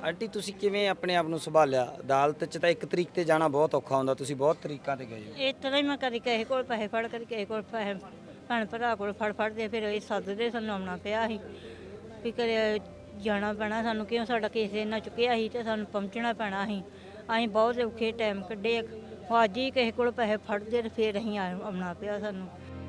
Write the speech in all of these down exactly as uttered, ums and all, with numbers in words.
Aunty ਤੁਸੀਂ ਕਿਵੇਂ ਆਪਣੇ ਆਪ ਨੂੰ ਸੰਭਾਲਿਆ? ਅਦਾਲਤ 'ਚ ਤਾਂ ਇੱਕ ਤਰੀਕ ਤੇ ਜਾਣਾ ਬਹੁਤ ਔਖਾ ਹੁੰਦਾ, ਤੁਸੀਂ ਬਹੁਤ ਤਰੀਕਾਂ ਤੇ ਗਏ ਹੋ। ਇਸ ਤਰ੍ਹਾਂ ਹੀ ਮੈਂ ਕਦੀ ਕਿਸੇ ਕੋਲ ਪੈਸੇ ਫੜ ਕਦੀ ਕਿਸੇ ਕੋਲ ਪੈਸੇ ਭੈਣ ਭਰਾ ਕੋਲ ਫੜ ਫੜਦੇ ਫਿਰ ਇਹ ਸੱਦਦੇ ਸਾਨੂੰ ਆਉਣਾ ਪਿਆ ਸੀ ਵੀ ਕਰੇ ਜਾਣਾ ਪੈਣਾ ਸਾਨੂੰ, ਕਿਉਂ ਸਾਡਾ ਕੇਸ ਇੰਨਾ ਚੁੱਕਿਆ ਸੀ ਤੇ ਸਾਨੂੰ ਪਹੁੰਚਣਾ ਪੈਣਾ ਸੀ। ਅਸੀਂ ਬਹੁਤ ਔਖੇ ਟਾਈਮ ਕੱਢੇ। ਉਹ ਅੱਜ ਹੀ ਕਿਸੇ ਕੋਲ ਪੈਸੇ ਫੜਦੇ ਤੇ ਫਿਰ ਅਸੀਂ ਆ- ਆਉਣਾ ਪਿਆ ਸਾਨੂੰ।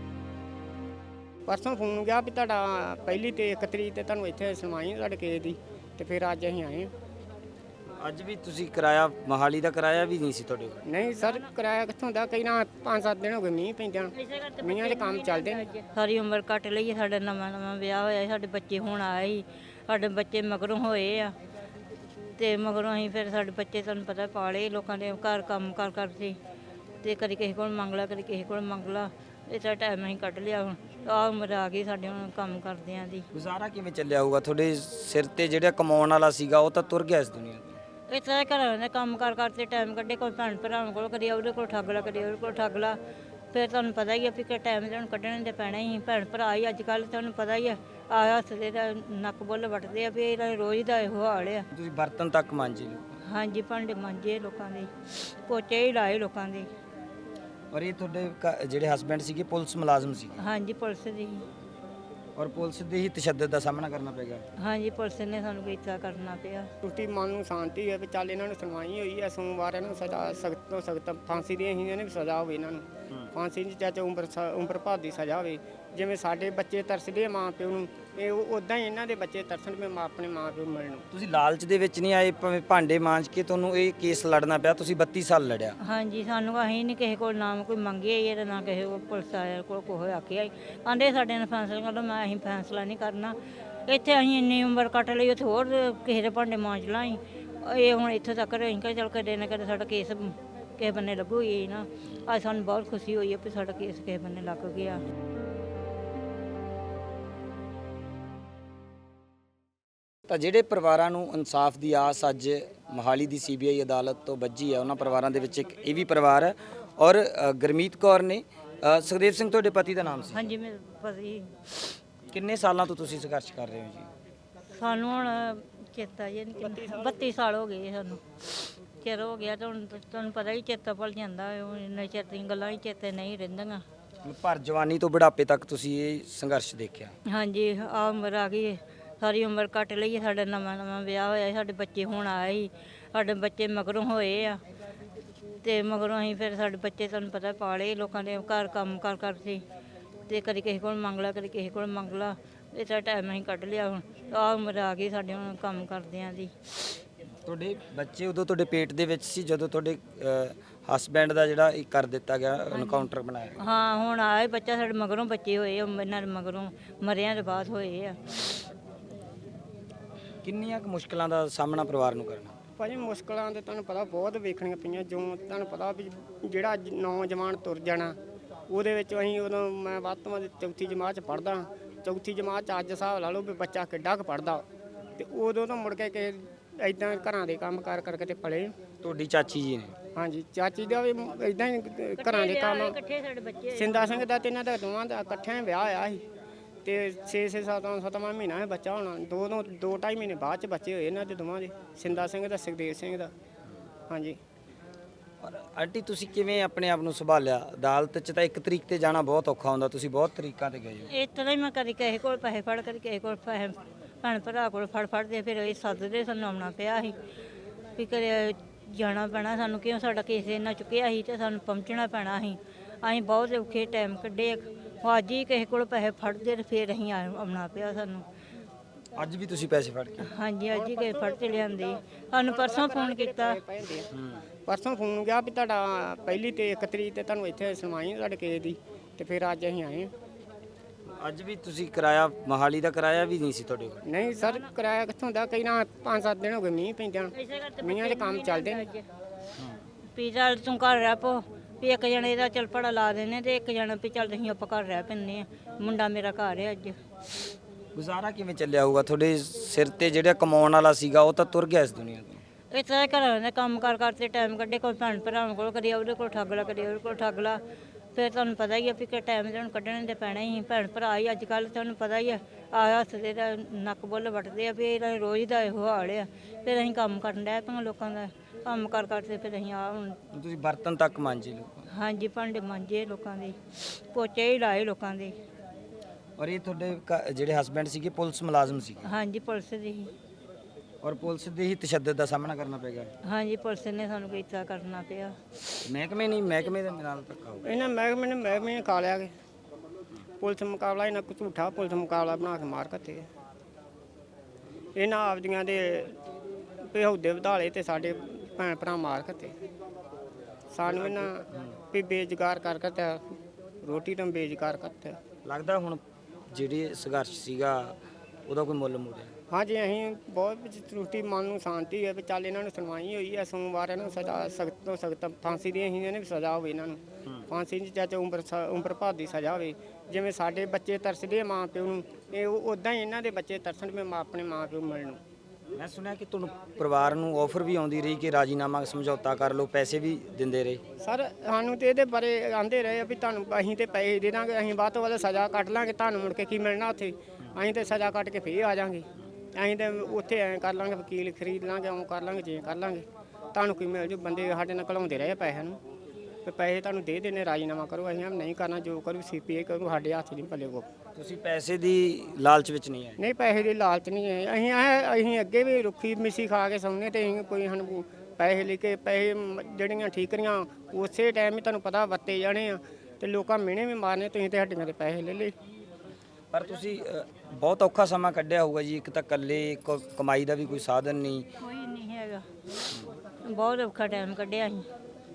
ਪਰਸੋਂ ਫੋਨ ਗਿਆ ਵੀ ਤੁਹਾਡਾ ਪਹਿਲੀ ਤੇ ਇੱਕ ਤਰੀਕ ਤੇ ਤੁਹਾਨੂੰ ਇੱਥੇ ਸੁਣਵਾਈ ਤੁਹਾਡੇ ਕੇਸ ਦੀ, ਤੇ ਫਿਰ ਅੱਜ ਅਸੀਂ ਆਏ ਹਾਂ। ਅੱਜ ਵੀ ਤੁਸੀਂ ਕਿਰਾਇਆ ਮੋਹਾਲੀ ਦਾ ਕਿਰਾਇਆ ਵੀ ਨਹੀਂ ਸੀ ਤੁਹਾਡੇ ਕੋਲ? ਨਹੀਂ ਸਰ, ਕਿਰਾਇਆ ਕਿੱਥੋਂ ਦਾ? ਕਈ ਨਾ ਪੰਜ ਸੱਤ ਦਿਨ ਹੋ ਗਏ ਮੀਂਹ ਪੈਂਦਿਆਂ, ਮੀਂਹਾਂ ਦੇ ਕੰਮ ਚੱਲਦੇ ਨੇ। ਸਾਰੀ ਉਮਰ ਕੱਟ ਲਈ ਹੈ, ਸਾਡਾ ਨਵਾਂ ਨਵਾਂ ਵਿਆਹ ਹੋਇਆ ਸੀ, ਸਾਡੇ ਬੱਚੇ ਹੁਣ ਆਏ ਸੀ, ਸਾਡੇ ਬੱਚੇ ਮਗਰੋਂ ਹੋਏ ਆ ਤੇ ਮਗਰੋਂ ਅਸੀਂ ਫਿਰ ਸਾਡੇ ਬੱਚੇ ਤੁਹਾਨੂੰ ਪਤਾ ਪਾਲੇ ਲੋਕਾਂ ਦੇ ਘਰ ਕੰਮ ਕਰ ਕਰਦੇ ਤੇ ਕਦੀ ਕਿਸੇ ਕੋਲ ਮੰਗ ਲਾ ਕਦੀ ਕਿਸੇ ਕੋਲ ਮੰਗ ਲਾ। ਇਸਦਾ ਟਾਈਮ ਅਸੀਂ ਕੱਢ ਲਿਆ। ਹੁਣ ਆਹ ਉਮਰ ਆ ਗਈ ਸਾਡੇ, ਹੁਣ ਕੰਮ ਕਰਦਿਆਂ ਦੀ। ਗੁਜ਼ਾਰਾ ਕਿਵੇਂ ਚੱਲਿਆ ਹੋਊਗਾ? ਤੁਹਾਡੇ ਸਿਰ ਤੇ ਜਿਹੜਾ ਕਮਾਉਣ ਵਾਲਾ ਸੀਗਾ ਉਹ ਤਾਂ ਤੁਰ ਗਿਆ ਇਸ ਦੁਨੀਆ ਤੋਂ। ਇਸ ਤਰ੍ਹਾਂ ਘਰਾਂ ਦੇ ਕੰਮ ਕਰ ਕਰਦੇ ਟਾਈਮ ਕੱਢੇ, ਕੋਈ ਭੈਣ ਭਰਾਵਾਂ ਕੋਲ ਕਦੀ ਉਹਦੇ ਕੋਲ ਠੱਗ ਲਾ ਕਦੀ ਉਹਦੇ ਕੋਲ ਠੱਗ ਲਾ। ਫਿਰ ਤੁਹਾਨੂੰ ਪਤਾ ਹੀ ਆ ਵੀ ਕਿ ਟਾਈਮ ਤੇ ਹੁਣ ਕੱਢਣੇ ਤੇ ਪੈਣਾ ਹੀ। ਭੈਣ ਭਰਾ ਹੀ ਅੱਜ ਕੱਲ੍ਹ ਤੁਹਾਨੂੰ ਪਤਾ ਹੀ ਆ ਆ ਹੱਸਦੇ ਦਾ ਨੱਕ ਬੁੱਲ ਵੱਟਦੇ ਆ ਵੀ ਇਹਦਾ ਰੋਜ਼ ਦਾ ਇਹੋ ਹਾਲ ਆ। ਤੁਸੀਂ ਬਰਤਨ ਤੱਕ ਮਾਂਜੇ ਲਓ। ਹਾਂਜੀ, ਭਾਂਡੇ ਮਾਂਜੇ ਲੋਕਾਂ ਦੇ, ਪੋਚੇ ਹੀ ਲਾਏ ਲੋਕਾਂ ਦੇ। ਔਰ ਇਹ ਤੁਹਾਡੇ ਘ- ਜਿਹੜੇ ਹਸਬੈਂਡ ਸੀਗੇ ਪੁਲਿਸ ਮੁਲਾਜ਼ਮ ਸੀਗੇ, ਹਾਂਜੀ, ਪੁਲਿਸ ਦੀ। ਔਰ ਪੁਲਿਸ ਦੇ ਹੀ ਤਸ਼ੱਦਦ ਦਾ ਸਾਹਮਣਾ ਕਰਨਾ ਪਏਗਾ। ਹਾਂਜੀ, ਪੁਲਿਸ ਨੇ ਸਾਨੂੰ ਕੀਤਾ ਕਰਨਾ ਪਿਆ। ਟੁੱਟੀ ਮਨ ਨੂੰ ਸ਼ਾਂਤੀ ਹੈ ਵੀ ਚੱਲ ਇਹਨਾਂ ਨੂੰ ਸੁਣਵਾਈ ਹੋਈ ਹੈ, ਸੋਮਵਾਰ ਇਹਨਾਂ ਨੂੰ ਸਜ਼ਾ ਸਖਤ ਤੋਂ ਸਖਤ ਫਾਂਸੀ ਦੀ ਅਸੀਂ ਇਹਨੇ ਵੀ ਸਜ਼ਾ ਹੋਵੇ ਇਹਨਾਂ ਨੂੰ। ਫਾਂਸੀ ਦੀ ਚਾਚਾ ਉਮਰ ਸ- ਉਮਰ ਭਰ ਦੀ ਸਜ਼ਾ ਹੋਵੇ। ਜਿਵੇਂ ਸਾਡੇ ਬੱਚੇ ਤਰਸਦੇ ਆ ਮਾਂ ਪਿਓ ਨੂੰ, ਇਹ ਉਦਾਂ ਹੀ ਇਹਨਾਂ ਦੇ ਬੱਚੇ ਤਰਸਣ ਵੀ ਮਾਂ ਆਪਣੇ ਮਾਂ ਪਿਓ ਨੂੰ ਮਿਲਣ ਨੂੰ। ਤੁਸੀਂ ਲਾਲਚ ਦੇ ਵਿੱਚ ਨਹੀਂ ਆਏ, ਭਾਵੇਂ ਭਾਂਡੇ ਮਾਂਜ ਕੇ ਤੁਹਾਨੂੰ ਇਹ ਕੇਸ ਲੜਨਾ ਪਿਆ, ਤੁਸੀਂ ਬੱਤੀ ਸਾਲ ਲੜਿਆ। ਹਾਂਜੀ, ਸਾਨੂੰ ਅਸੀਂ ਨਹੀਂ ਕਿਸੇ ਕੋਲ ਨਾਮ ਕੋਈ ਮੰਗੇ ਹੀ ਤੇ ਨਾ ਕਿਸੇ ਕੋਲ ਪੁਲਿਸ ਵਾਲਿਆਂ ਕੋਲ ਕੋਈ ਆਖਿਆ ਹੀ। ਆਂਦੇ ਸਾਡੇ ਨਾਲ ਫੈਸਲਾ ਕਰ ਲਓ, ਮੈਂ ਅਸੀਂ ਫੈਸਲਾ ਨਹੀਂ ਕਰਨਾ। ਇੱਥੇ ਅਸੀਂ ਇੰਨੀ ਉਮਰ ਕੱਟ ਲਈ, ਉੱਥੇ ਹੋਰ ਕਿਸੇ ਦੇ ਭਾਂਡੇ ਮਾਂਜ ਲਾਂ ਅਸੀਂ। ਇਹ ਹੁਣ ਇੱਥੇ ਤੱਕ ਅਸੀਂ ਕਿਹਾ ਚੱਲ ਕਦੇ ਨਾ ਕਦੇ ਸਾਡਾ ਕੇਸ ਕਿਸੇ ਬੰਨੇ ਲੱਗੂ ਹੀ ਨਾ। ਅੱਜ ਸਾਨੂੰ ਬਹੁਤ ਖੁਸ਼ੀ ਹੋਈ ਹੈ ਵੀ ਸਾਡਾ ਕੇਸ ਕਿਸੇ ਬੰਨੇ ਲੱਗ ਗਿਆ। ਤਾਂ ਜਿਹੜੇ ਪਰਿਵਾਰਾਂ ਨੂੰ ਇਨਸਾਫ ਦੀ ਆਸ ਅੱਜ ਮੋਹਾਲੀ ਦੀ ਸੀਬੀਆਈ ਅਦਾਲਤ ਤੋਂ ਵੱਜੀ ਹੈ, ਉਹਨਾਂ ਪਰਿਵਾਰਾਂ ਦੇ ਵਿੱਚ ਇੱਕ ਇਹ ਵੀ ਪਰਿਵਾਰ ਹੈ। ਔਰ ਅ, ਗੁਰਮੀਤ ਕੌਰ ਨੇ ਅ, ਸੁਖਦੇਵ ਸਿੰਘ ਤੁਹਾਡੇ ਪਤੀ ਦਾ ਨਾਮ ਸੀ। ਹਾਂਜੀ, ਮੇਰੇ ਪਤੀ। ਕਿੰਨੇ ਸਾਲਾਂ ਤੋਂ ਤੁਸੀਂ ਸੰਘਰਸ਼ ਕਰ ਰਹੇ ਹੋ ਜੀ? ਸਾਨੂੰ ਹੁਣ ਚੇਤਾ ਜੇ ਨਹੀਂ, ਬੱਤੀ ਸਾਲ ਹੋ ਗਏ ਸਾਨੂੰ, ਚਿਰ ਹੋ ਗਿਆ ਤੇ ਹੁਣ ਤੁਹਾਨੂੰ ਪਤਾ ਹੀ ਚੇਤਾ ਭੁੱਲ ਜਾਂਦਾ ਹੈ। ਹੁਣ ਇੰਨੇ ਚਿਰ ਦੀਆਂ ਗੱਲਾਂ ਹੀ ਚੇਤੇ ਨਹੀਂ ਰਹਿੰਦੀਆਂ। ਭਰ ਜਵਾਨੀ ਤੋਂ ਬੁਢਾਪੇ ਤੱਕ ਤੁਸੀਂ ਇਹ ਸੰਘਰਸ਼ ਦੇਖਿਆ। ਹਾਂਜੀ, ਆ ਉਮਰ ਆ ਗਈ ਹੈ, ਸਾਰੀ ਉਮਰ ਕੱਟ ਲਈ ਹੈ, ਸਾਡਾ ਨਵਾਂ ਨਵਾਂ ਵਿਆਹ ਹੋਇਆ ਸੀ, ਸਾਡੇ ਬੱਚੇ ਹੁਣ ਆਏ ਸੀ, ਸਾਡੇ ਬੱਚੇ ਮਗਰੋਂ ਹੋਏ ਆ ਤੇ ਮਗਰੋਂ ਅਸੀਂ ਫਿਰ ਸਾਡੇ ਬੱਚੇ ਤੁਹਾਨੂੰ ਪਤਾ ਪਾਲੇ ਲੋਕਾਂ ਦੇ ਘਰ ਕੰਮ ਕਰ ਕਰਦੇ ਤੇ ਕਦੀ ਕਿਸੇ ਕੋਲ ਮੰਗ ਲਾ ਕਦੀ ਕਿਸੇ ਕੋਲ ਮੰਗ ਲਾ। ਇਸਦਾ ਟਾਈਮ ਅਸੀਂ ਕੱਢ ਲਿਆ। ਹੁਣ ਆਹ ਉਮਰ ਆ ਗਈ ਸਾਡੇ, ਹੁਣ ਕੰਮ ਕਰਦਿਆਂ ਦੀ। ਤੁਹਾਡੇ ਬੱਚੇ ਉਦੋਂ ਤੁਹਾਡੇ ਪੇਟ ਦੇ ਵਿੱਚ ਸੀ ਜਦੋਂ ਤੁਹਾਡੇ ਹਸਬੈਂਡ ਦਾ ਜਿਹੜਾ ਇਹ ਕਰ ਦਿੱਤਾ ਗਿਆ, ਐਨਕਾਊਂਟਰ ਬਣਾਇਆ ਗਿਆ? ਹਾਂ, ਹੁਣ ਆਏ ਬੱਚਾ ਸਾਡੇ ਮਗਰੋਂ ਬੱਚੇ ਹੋਏ ਆ, ਇਹਨਾਂ ਦੇ ਮਗਰੋਂ ਮਰਿਆਂ ਦੇ ਬਾਅਦ ਹੋਏ ਆ। ਕਿੰਨੀਆਂ ਕੁ ਮੁਸ਼ਕਲਾਂ ਦਾ ਸਾਹਮਣਾ ਪਰਿਵਾਰ ਨੂੰ ਕਰਨਾ? ਭਾਜੀ ਮੁਸ਼ਕਲਾਂ ਤੇ ਤੁਹਾਨੂੰ ਪਤਾ ਬਹੁਤ ਵੇਖਣੀਆਂ ਪਈਆਂ। ਜੋ ਤੁਹਾਨੂੰ ਪਤਾ ਵੀ ਜਿਹੜਾ ਜ- ਨੌਜਵਾਨ ਤੁਰ ਜਾਣਾ, ਉਹਦੇ ਵਿੱਚ ਅਸੀਂ ਉਦੋਂ ਮੈਂ ਵੱਧ ਤੋਂ ਵੱਧ ਚੌਥੀ ਜਮਾਤ 'ਚ ਪੜ੍ਹਦਾ। ਚੌਥੀ ਜਮਾਤ 'ਚ ਅੱਜ ਹਿਸਾਬ ਲਾ ਲਓ ਵੀ ਬੱਚਾ ਕਿੱਡਾ ਕੁ ਪੜ੍ਹਦਾ, ਤੇ ਉਦੋਂ ਤੋਂ ਮੁੜ ਕੇ ਕਿ ਇੱਦਾਂ ਘਰਾਂ ਦੇ ਕੰਮ ਕਾਰ ਕਰਕੇ ਤੇ ਪਲੇ। ਤੁਹਾਡੀ ਚਾਚੀ ਜੀ ਨੇ? ਹਾਂਜੀ, ਚਾਚੀ ਦਾ ਵੀ ਇੱਦਾਂ ਹੀ ਘਰਾਂ ਦੇ ਕੰਮ। ਇਕੱਠੇ ਸਾਡੇ ਬੱਚੇ। ਸਿੰਦਾ ਸਿੰਘ ਦਾ ਤੇ ਇਹਨਾਂ ਦਾ ਦੋਵਾਂ ਦਾ ਇਕੱਠਿਆਂ ਵਿਆਹ ਹੋਇਆ ਸੀ ਤੇ ਛੇ ਛੇ ਸੱਤਾਂ ਸੱਤਵਾਂ ਮਹੀਨਾ ਹੈ ਬੱਚਾ ਹੋਣਾ। ਦੋ ਦੋ ਦੋ ਢਾਈ ਮਹੀਨੇ ਬਾਅਦ ਚ ਬੱਚੇ ਹੋਏ ਇਹਨਾਂ ਦੇ ਦੋਵਾਂ ਦੇ, ਸਿੰਦਾ ਸਿੰਘ ਦਾ ਸੁਖਦੇਵ ਸਿੰਘ ਦਾ। ਹਾਂਜੀ। ਔਰ ਆਂਟੀ ਤੁਸੀਂ ਕਿਵੇਂ ਆਪਣੇ ਆਪ ਨੂੰ ਸੰਭਾਲਿਆ? ਅਦਾਲਤ 'ਚ ਤਾਂ ਇੱਕ ਤਰੀਕ ਤੇ ਜਾਣਾ ਬਹੁਤ ਔਖਾ ਹੁੰਦਾ, ਤੁਸੀਂ ਬਹੁਤ ਤਰੀਕਾਂ ਤੇ ਗਏ ਹੋ। ਇਸ ਤਰ੍ਹਾਂ ਹੀ ਮੈਂ ਕਦੀ ਕਿਸੇ ਕੋਲ ਪੈਸੇ ਫੜ ਕਦੀ ਕਿਸੇ ਕੋਲ ਪੈਸੇ ਭੈਣ ਭਰਾ ਕੋਲ ਫੜ ਫੜਦੇ ਫਿਰ ਇਹ ਸੱਦਦੇ ਸਾਨੂੰ ਆਉਣਾ ਪਿਆ ਸੀ ਵੀ ਕਰੇ ਜਾਣਾ ਪੈਣਾ ਸਾਨੂੰ, ਕਿਉਂ ਸਾਡਾ ਕੇਸ ਇੰਨਾ ਚੁੱਕਿਆ ਸੀ ਤੇ ਸਾਨੂੰ ਪਹੁੰਚਣਾ ਪੈਣਾ ਸੀ। ਅਸੀਂ ਬਹੁਤ ਔਖੇ ਟਾਈਮ ਕੱਢੇ। ਉਹ ਅੱਜ ਹੀ ਕਿਸੇ ਕੋਲ ਪੈਸੇ ਫੜਦੇ ਤੇ ਫਿਰ ਅਸੀਂ ਆ- ਆਉਣਾ ਪਿਆ ਸਾਨੂੰ। ਅੱਜ ਵੀ ਤੁਸੀਂ ਪੈਸੇ ਫੜ ਕੇ? ਹਾਂਜੀ, ਅੱਜ ਹੀ ਕਿਸੇ ਫੜ ਕੇ ਲਿਆਂਦੇ। ਸਾਨੂੰ ਪਰਸੋਂ ਫੋਨ ਕੀਤਾ। ਪਰਸੋਂ ਫੋਨ ਗਿਆ ਵੀ ਤੁਹਾਡਾ ਪਹਿਲੀ ਤੇ ਇੱਕ ਤਰੀਕ ਤੇ ਤੁਹਾਨੂੰ ਇੱਥੇ ਸੁਣਵਾਈ ਤੁਹਾਡੇ ਕੇਸ ਦੀ, ਤੇ ਫਿਰ ਅੱਜ ਅਸੀਂ ਆਏ ਹਾਂ। ਅੱਜ ਵੀ ਤੁਸੀਂ ਕਿਰਾਇਆ ਮੋਹਾਲੀ ਦਾ ਕਿਰਾਇਆ ਵੀ ਨਹੀਂ ਸੀ ਤੁਹਾਡੇ ਕੋਲ? ਨਹੀਂ ਸਰ, ਕਿਰਾਇਆ ਕਿੱਥੋਂ ਦਾ? ਕਈ ਨਾ ਪੰਜ ਸੱਤ ਦਿਨ ਹੋ ਗਏ ਮੀਂਹ ਪੈਂਦਿਆਂ, ਮੀਂਹਾਂ ਦੇ ਕੰਮ ਚੱਲਦੇ ਨੇ। ਵੀ ਚੱਲ ਤੂੰ ਘਰ ਰਹਿ ਪੋ, ਵੀ ਇੱਕ ਜਣੇ ਦਾ ਚੱਲ ਪੜਾ ਲਾ ਦਿੰਦੇ ਤੇ ਇੱਕ ਜਣਾ ਵੀ ਚੱਲ ਅਸੀਂ ਆਪਾਂ ਘਰ ਰਹਿ ਪੈਂਦੇ ਆ। ਮੁੰਡਾ ਮੇਰਾ ਘਰ ਹੈ ਅੱਜ। ਗੁਜ਼ਾਰਾ ਕਿਵੇਂ ਚੱਲਿਆ ਹੋਊਗਾ? ਤੁਹਾਡੇ ਸਿਰ ਤੇ ਜਿਹੜਾ ਕਮਾਉਣ ਵਾਲਾ ਸੀਗਾ ਉਹ ਤਾਂ ਤੁਰ ਗਿਆ ਇਸ ਦੁਨੀਆ ਤੋਂ। ਇਸ ਤਰ੍ਹਾਂ ਘਰਾਂ ਦੇ ਕੰਮ ਕਰ ਕਰਦੇ ਟਾਈਮ ਕੱਢੇ, ਕੋਈ ਭੈਣ ਭਰਾਵਾਂ ਕੋਲ ਕਦੀ ਉਹਦੇ ਕੋਲ ਠੱਗ ਲਾ ਕਦੀ ਉਹਦੇ ਕੋਲ ਠੱਗ ਲਾ। ਫਿਰ ਤੁਹਾਨੂੰ ਪਤਾ ਹੀ ਆ ਵੀ ਕਿ ਟਾਈਮ ਤੇ ਹੁਣ ਕੱਢਣੇ ਦੇ ਪੈਣੇ ਹੀ ਭੈਣ ਭਰਾ ਹੀ ਅੱਜ ਕੱਲ੍ਹ ਤੁਹਾਨੂੰ ਪਤਾ ਹੀ ਆ ਆ ਹੱਸਦੇ ਦਾ ਨੱਕ ਬੁੱਲ ਵੱਟਦੇ ਆ ਵੀ ਇਹਦਾ ਰੋਜ਼ ਦਾ ਇਹੋ ਹਾਲ ਆ। ਫਿਰ ਅਸੀਂ ਕੰਮ ਕਰਨ ਡੈ ਪਏ ਲੋਕਾਂ ਦਾ ਕੰਮ ਕਰ ਕਰਦੇ ਫਿਰ ਅਸੀਂ ਆ ਹੁਣ ਤੁਸੀਂ ਬਰਤਨ ਤੱਕ ਮਾਂਜੇ ਲੋਕਾਂ ਹਾਂਜੀ ਭਾਂਡੇ ਮਾਂਜੇ ਲੋਕਾਂ ਦੇ, ਪੋਚੇ ਹੀ ਲਾਏ ਲੋਕਾਂ ਦੇ। ਔਰ ਇਹ ਤੁਹਾਡੇ ਘ- ਜਿਹੜੇ ਹਸਬੈਂਡ ਸੀਗੇ ਪੁਲਿਸ ਮੁਲਾਜ਼ਮ ਸੀਗੇ ਹਾਂਜੀ ਪੁਲਿਸ ਦੀ, ਔਰ ਪੁਲਿਸ ਦੇ ਹੀ ਤਸ਼ੱਦਦ ਦਾ ਸਾਹਮਣਾ ਕਰਨਾ ਪਏਗਾ। ਹਾਂਜੀ ਪੁਲਿਸ ਨੇ ਸਾਨੂੰ ਕੀਤਾ ਕਰਨਾ ਪਿਆ। ਮਹਿਕਮੇ ਨਹੀਂ ਮਹਿਕਮੇ ਦੇ ਨਾਲ ਧੱਕਾ ਹੋਊਗਾ। ਇਹਨਾਂ ਮਹਿਕਮੇ ਨੇ ਮਹਿਕਮੇ ਨੇ ਖਾ ਲਿਆ ਕਿ ਪੁਲਿਸ ਮੁਕਾਬਲਾ ਇਹਨਾਂ ਕੁ ਝੂਠਾ ਪੁਲਿਸ ਮੁਕਾਬਲਾ ਬਣਾ ਕੇ ਮਾਰ ਕੱਤੇ ਇਹਨਾਂ ਆਪਦੀਆਂ ਦੇ ਪਿਹੌਦੇ ਵਧਾਲੇ ਤੇ ਸਾਡੇ ਭੈਣ ਭਰਾ ਮਾਰ ਕੱਤੇ ਸਾਨੂੰ ਇਹਨਾਂ ਵੀ ਬੇਜਗਾਰ ਕਰ ਕਰਤਾ ਰੋਟੀ ਤੋਂ ਬੇਜਗਾਰ ਕਰਤਾ। ਲੱਗਦਾ ਹੁਣ ਜਿਹੜੀ ਸੰਘਰਸ਼ ਸੀਗਾ ਉਹਦਾ ਕੋਈ ਮੁੱਲ ਮੁੜਿਆ। ਹਾਂਜੀ ਅਸੀਂ ਬਹੁਤ ਵਿੱਚ ਤਰੁੱਟੀ ਮਨ ਨੂੰ ਸ਼ਾਂਤੀ ਹੈ ਵੀ ਚੱਲ ਇਹਨਾਂ ਨੂੰ ਸੁਣਵਾਈ ਹੋਈ ਹੈ ਸੋਮਵਾਰ ਇਹਨਾਂ ਨੂੰ ਸਜ਼ਾ ਸਖਤ ਤੋਂ ਸਖਤ ਫਾਂਸੀ ਦੀ ਅਸੀਂ ਇਹਨਾਂ ਨੂੰ ਸਜ਼ਾ ਹੋਵੇ ਇਹਨਾਂ ਨੂੰ ਫਾਂਸੀ ਦੀ ਚਾਚਾ ਉਮਰ ਸ- ਉਮਰ ਭਰ ਦੀ ਸਜ਼ਾ ਹੋਵੇ। ਜਿਵੇਂ ਸਾਡੇ ਬੱਚੇ ਤਰਸਦੇ ਆ ਮਾਂ ਪਿਓ ਨੂੰ ਇਹ ਉਦਾਂ ਹੀ ਇਹਨਾਂ ਦੇ ਬੱਚੇ ਤਰਸਣ ਵੀ ਮਾਂ ਆਪਣੇ ਮਾਂ ਪਿਓ ਮਿਲਣ ਨੂੰ। ਮੈਂ ਸੁਣਿਆ ਕਿ ਤੁਹਾਨੂੰ ਪਰਿਵਾਰ ਨੂੰ ਆਫਰ ਵੀ ਆਉਂਦੀ ਰਹੀ ਕਿ ਰਾਜੀਨਾਮਾ ਸਮਝੌਤਾ ਕਰ ਲਓ, ਪੈਸੇ ਵੀ ਦਿੰਦੇ ਰਹੇ। ਸਰ ਸਾਨੂੰ ਤੇ ਇਹਦੇ ਬਾਰੇ ਆਂਦੇ ਰਹੇ ਆ ਵੀ ਤੁਹਾਨੂੰ ਅਸੀਂ ਤੇ ਪੈਸੇ ਦੇ ਦਾਂਗੇ, ਅਸੀਂ ਵੱਧ ਤੋਂ ਵੱਧ ਸਜ਼ਾ ਕੱਟ ਲਾਂਗੇ, ਤੁਹਾਨੂੰ ਮੁੜ ਕੇ ਕੀ ਮਿਲਣਾ ਉੱਥੇ, ਅਸੀਂ ਤੇ ਸਜ਼ਾ ਕੱਟ ਕੇ ਫੇਰ ਆ ਜਾਾਂਗੇ, ਅਸੀਂ ਤੇ ਉੱਥੇ ਐਂ ਕਰ ਲਾਂਗੇ ਵਕੀਲ ਖਰੀਦ ਲਾਂਗੇ, ਉਹ ਕਰ ਲਾਂਗੇ ਜੇ ਕਰ ਲਾਂਗੇ, ਤੁਹਾਨੂੰ ਕੀ ਮਿਲ ਜੂ। ਬੰਦੇ ਸਾਡੇ ਨਾਲ ਘਲਾਉਂਦੇ ਰਹੇ ਪੈਸਿਆਂ ਨੂੰ ਤੇ ਪੈਸੇ ਤੁਹਾਨੂੰ ਦੇ ਦੇਣੇ, ਰਾਜੀਨਾਮਾ ਕਰੋ, ਅਸੀਂ ਨਹੀਂ ਕਰਨਾ, ਜੋ ਕਰੂ ਸੀਪੀਏ ਕਰੂ, ਸਾਡੇ ਹੱਥ ਨਹੀਂ ਪੱਲੇ ਕੋ। ਤੁਸੀਂ ਪੈਸੇ ਦੀ ਲਾਲਚ ਵਿੱਚ ਨਹੀਂ ਆਏ। ਨਹੀਂ ਪੈਸੇ ਦੀ ਲਾਲਚ ਨਹੀਂ ਹੈ, ਅਸੀਂ ਐ ਅਸੀਂ ਅੱਗੇ ਵੀ ਰੁੱਖੀ ਮਿੱਸੀ ਖਾ ਕੇ ਸੌਂਦੇ ਤੇ ਅਸੀਂ ਕੋਈ ਸਾਨੂੰ ਪੈਸੇ ਲੈ ਕੇ ਪੈਸੇ ਮ- ਜਿਹੜੀਆਂ ਠੀਕਰੀਆਂ ਉਸੇ ਟਾਈਮ ਹੀ ਤੁਹਾਨੂੰ ਪਤਾ ਵਰਤੇ ਜਾਣੇ ਆ ਤੇ ਲੋਕਾਂ ਮਿਹਣੇ ਵੀ ਮਾਰਨੇ, ਤੁਸੀਂ ਤੇ ਹੱਡੀਆਂ ਦੇ ਪੈਸੇ ਲੈ ਲਏ। ਪਰ ਤੁਸੀਂ ਅ, ਬਹੁਤ ਔਖਾ ਸਮਾਂ ਕੱਢਿਆ ਹੋਊਗਾ ਜੀ, ਇੱਕ ਤਾਂ ਇਕੱਲੇ ਕ- ਕਮਾਈ ਦਾ ਵੀ ਕੋਈ ਸਾਧਨ ਨਹੀਂ। ਕੋਈ ਨਹੀਂ ਹੈਗਾ, ਬਹੁਤ ਔਖਾ ਟਾਈਮ ਕੱਢਿਆ ਅਸੀਂ।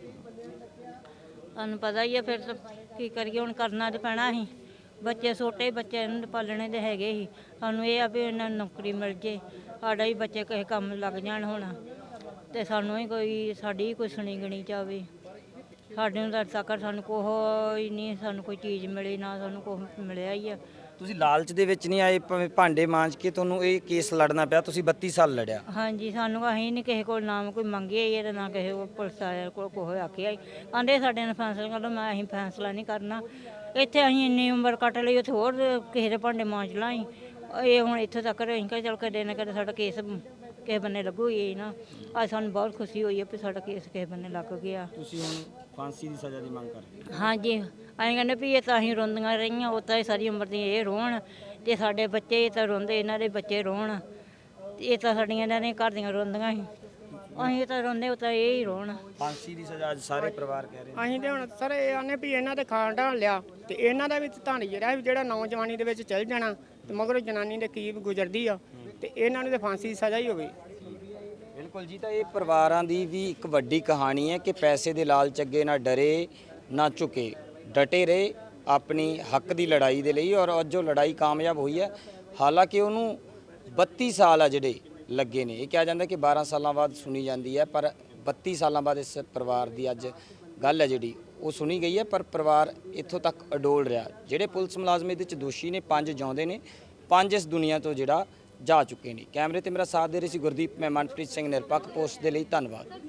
ਤੁਹਾਨੂੰ ਪਤਾ ਹੀ ਆ ਫਿਰ ਤਾਂ ਕੀ ਕਰੀਏ, ਹੁਣ ਕਰਨਾ ਤੇ ਪੈਣਾ ਸੀ। ਬੱਚੇ ਛੋਟੇ ਬੱਚੇ ਇਹਨਾਂ ਦੇ ਪਾਲਣੇ ਦੇ ਹੈਗੇ ਸੀ, ਸਾਨੂੰ ਇਹ ਆ ਵੀ ਇਹਨਾਂ ਨੂੰ ਨੌਕਰੀ ਮਿਲ ਜੇ, ਸਾਡਾ ਹੀ ਬੱਚੇ ਕਿਸੇ ਕੰਮ ਲੱਗ ਜਾਣ ਹੁਣ, ਤੇ ਸਾਨੂੰ ਹੀ ਕੋਈ ਸਾਡੀ ਹੀ ਕੋਈ ਸੁਣੀ ਗਣੀ ਜਾਵੇ। ਸਾਡੇ ਨੂੰ ਤਾਂ ਤੱਕ ਸਾਨੂੰ ਕੋਈ ਨਹੀਂ, ਸਾਨੂੰ ਕੋਈ ਚੀਜ਼ ਮਿਲੀ ਨਾ ਸਾਨੂੰ ਕੁਛ ਮਿਲਿਆ ਹੀ ਆ। ਤੁਸੀਂ ਲਾਲਚ ਦੇ ਵਿੱਚ ਨਹੀਂ ਆਏ, ਭਾਵੇਂ ਭਾਂਡੇ ਮਾਂਜ ਕੇ ਤੁਹਾਨੂੰ ਇਹ ਕੇਸ ਲੜਨਾ ਪਿਆ, ਤੁਸੀਂ ਬੱਤੀ ਸਾਲ ਲੜਿਆ। ਹਾਂਜੀ ਸਾਨੂੰ ਅਸੀਂ ਨਹੀਂ ਕਿਸੇ ਕੋਲ ਨਾਮ ਕੋਈ ਮੰਗੇ ਹੀ ਤੇ ਨਾ ਕਿਸੇ ਕੋਲ ਪੁਲਿਸ ਆਇਆ ਕੋਲ ਕੋਈ ਆਖਿਆ ਆਂਦੇ ਸਾਡੇ ਨਾਲ ਫੈਸਲਾ ਕਰ ਲਓ। ਮੈਂ ਅਸੀਂ ਫੈਸਲਾ ਨਹੀਂ ਕਰਨਾ, ਇੱਥੇ ਅਸੀਂ ਇੰਨੀ ਉਮਰ ਕੱਟ ਲਈ, ਉੱਥੇ ਹੋਰ ਕਿਸੇ ਦੇ ਭਾਂਡੇ ਮਾਂਜ ਲਾਂ ਅਸੀਂ। ਇਹ ਹੁਣ ਇੱਥੇ ਤੱਕ ਅਸੀਂ ਕਿਹਾ ਚੱਲ ਕਦੇ ਨਾ ਕਦੇ ਸਾਡਾ ਕੇਸ ਕਿਸੇ ਬੰਨੇ ਲੱਗੂ ਹੀ ਨਾ। ਅੱਜ ਸਾਨੂੰ ਬਹੁਤ ਖੁਸ਼ੀ ਹੋਈ ਹੈ ਵੀ ਸਾਡਾ ਕੇਸ ਕਿਸੇ ਬੰਨੇ ਲੱਗ ਗਿਆ। ਤੁਸੀਂ ਹੁਣ ਫਾਂਸੀ ਦੀ ਸਜ਼ਾ ਦੀ ਮੰਗ ਕਰਦੇ ਹੋ। ਹਾਂਜੀ ਅਸੀਂ ਕਹਿੰਦੇ ਵੀ ਇਹ ਤਾਂ ਅਸੀਂ ਰੋਂਦੀਆਂ ਰਹੀਆਂ, ਉਹ ਤਾਂ ਇਹ ਸਾਰੀ ਉਮਰ ਦੀ ਇਹ ਰੋਣ, ਤੇ ਸਾਡੇ ਬੱਚੇ ਇਹ ਤਾਂ ਰੋਂਦੇ, ਇਹਨਾਂ ਦੇ ਬੱਚੇ ਰੋਣ, ਤੇ ਇਹ ਤਾਂ ਸਾਡੀਆਂ ਇਹਨਾਂ ਦੇ ਘਰ ਦੀਆਂ ਰੋਂਦੀਆਂ ਸੀ, ਅਸੀਂ ਤਾਂ ਰੋਂਦੇ, ਉਹ ਤਾਂ ਇਹ ਹੀ ਰੋਣ। ਫਾਂਸੀ ਦੀ ਸਜ਼ਾ ਅੱਜ ਸਾਰੇ ਪਰਿਵਾਰ ਕਹਿ ਰਹੇ ਨੇ। ਅਸੀਂ ਤੇ ਹੁਣ ਸਰ ਇਹ ਆਨੇ ਵੀ ਇਹਨਾਂ ਦੇ ਖਾਣ ਢਾਣ ਲਿਆ ਤੇ ਇਹਨਾਂ ਦਾ ਵੀ ਧਨ ਜਿਹੜਾ ਵੀ ਜਿਹੜਾ ਨੌਜਵਾਨੀ ਦੇ ਵਿੱਚ ਚੱਲ ਜਾਣਾ ਤੇ ਮਗਰੋਂ ਜਨਾਨੀ ਦੇ ਕੀ ਗੁਜ਼ਰਦੀ ਆ ਤੇ ਇਹਨਾਂ ਨੂੰ ਤੇ ਫਾਂਸੀ ਦੀ ਸਜ਼ਾ ਹੀ ਹੋਵੇ। ਬਿਲਕੁਲ ਜੀ, ਤਾਂ ਇਹ ਪਰਿਵਾਰਾਂ ਦੀ ਵੀ ਇੱਕ ਵੱਡੀ ਕਹਾਣੀ ਹੈ ਕਿ ਪੈਸੇ ਦੇ ਲਾਲਚ ਅੱਗੇ ਨਾ ਡਰੇ ਨਾ ਝੁਕੇ, ਡਟੇ ਰਹੇ ਆਪਣੀ ਹੱਕ ਦੀ ਲੜਾਈ ਦੇ ਲਈ, ਔਰ ਅੱਜ ਉਹ ਲੜਾਈ ਕਾਮਯਾਬ ਹੋਈ ਹੈ। ਹਾਲਾਂਕਿ ਉਹਨੂੰ ਬੱਤੀ ਸਾਲ ਆ ਜਿਹੜੇ ਲੱਗੇ ਨੇ, ਇਹ ਕਿਹਾ ਜਾਂਦਾ ਕਿ ਬਾਰਾਂ ਸਾਲਾਂ ਬਾਅਦ ਸੁਣੀ ਜਾਂਦੀ ਹੈ, ਪਰ ਬੱਤੀ ਸਾਲਾਂ ਬਾਅਦ ਇਸ ਪਰਿਵਾਰ ਦੀ ਅੱਜ ਗੱਲ ਹੈ ਜਿਹੜੀ ਉਹ ਸੁਣੀ ਗਈ ਹੈ। ਪਰ ਪਰਿਵਾਰ ਇੱਥੋਂ ਤੱਕ ਅਡੋਲ ਰਿਹਾ। ਜਿਹੜੇ ਪੁਲਿਸ ਮੁਲਾਜ਼ਮ ਇਹਦੇ ਵਿੱਚ ਦੋਸ਼ੀ ਨੇ, ਪੰਜ ਜਿਉਂਦੇ ਨੇ, ਪੰਜ ਇਸ ਦੁਨੀਆ ਤੋਂ ਜਿਹੜਾ ਜਾ ਚੁੱਕੇ ਨੇ। ਕੈਮਰੇ ਤੇ ਮੇਰਾ ਸਾਥ ਦੇ ਰਹੀ ਸੀ ਗੁਰਦੀਪ, ਮੈਂ ਮਨਪ੍ਰੀਤ ਸਿੰਘ, ਨਿਰਪੱਖ ਪੋਸਟ ਦੇ ਲਈ ਧੰਨਵਾਦ।